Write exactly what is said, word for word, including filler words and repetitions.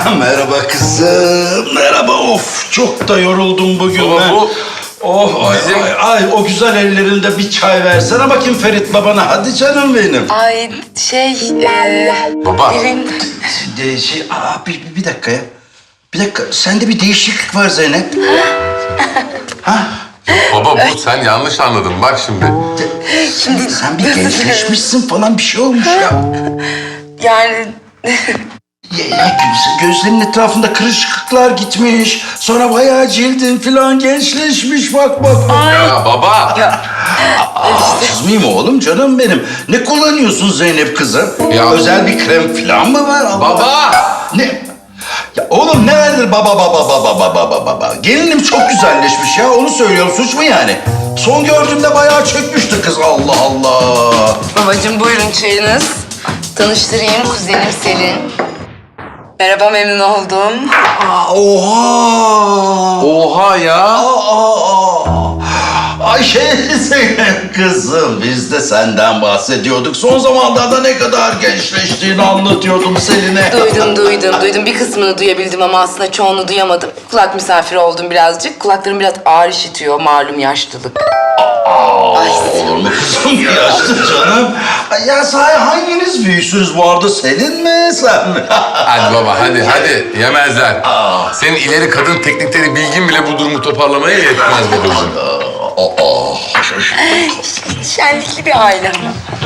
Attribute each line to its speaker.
Speaker 1: Merhaba kızım. Merhaba. Of çok da yoruldum bugün
Speaker 2: Baba,
Speaker 1: ben.
Speaker 2: bu
Speaker 1: Oh ay,
Speaker 2: bizim-
Speaker 1: ay, ay o güzel ellerinde bir çay versene bakayım Ferit babana. Hadi canım benim.
Speaker 3: Ay şey... E,
Speaker 2: Baba.
Speaker 3: Birin...
Speaker 1: De, şey, aa, bir, bir, bir dakika ya. Bir dakika. Sende bir değişiklik var Zeynep. ha?
Speaker 2: Baba bu sen yanlış anladın. Bak şimdi.
Speaker 1: Şimdi sen bir gençleşmişsin falan bir şey olmuş ya.
Speaker 3: Yani...
Speaker 1: Ya, ya gözlerinin etrafında kırışıklıklar gitmiş. Sonra bayağı cildin falan gençleşmiş bak bak. bak.
Speaker 2: Ya baba.
Speaker 1: Aa, kızmayayım oğlum canım benim. Ne kullanıyorsun Zeynep kızım?
Speaker 2: Ya-
Speaker 1: Özel bir krem falan mı var? Allah-
Speaker 2: Baba.
Speaker 1: Ne? Ya oğlum ne vardır baba baba baba baba baba baba. Gelinim çok güzelleşmiş ya onu söylüyorum suç mu yani? Son gördüğümde bayağı çökmüştü kız Allah Allah.
Speaker 3: Babacığım buyurun çayınız. Tanıştırayım kuzenim Selin. Merhaba memnun oldum.
Speaker 1: Aa, oha.
Speaker 2: Oha ya.
Speaker 1: Aa, aa, aa. Ay şey Zeynep kızım biz de senden bahsediyorduk. Son zamanlarda ne kadar gençleştiğini anlatıyordum Selin'e.
Speaker 3: Duydum duydum duydum. Bir kısmını duyabildim ama aslında çoğunu duyamadım. Kulak misafiri oldum birazcık. Kulaklarım biraz ağır işitiyor malum yaşlılık. Ay,
Speaker 1: Olur mu kızım yaşlı canım? Ay, ya sahi hanginiz büyüksünüz bu arada Selin mi sen mi?
Speaker 2: Hadi baba hadi hadi yemezler. Senin ileri kadın teknikleri bilgin bile bu durumu toparlamaya yetmez babacığım.
Speaker 1: Aa,
Speaker 3: şenlikli bir aile.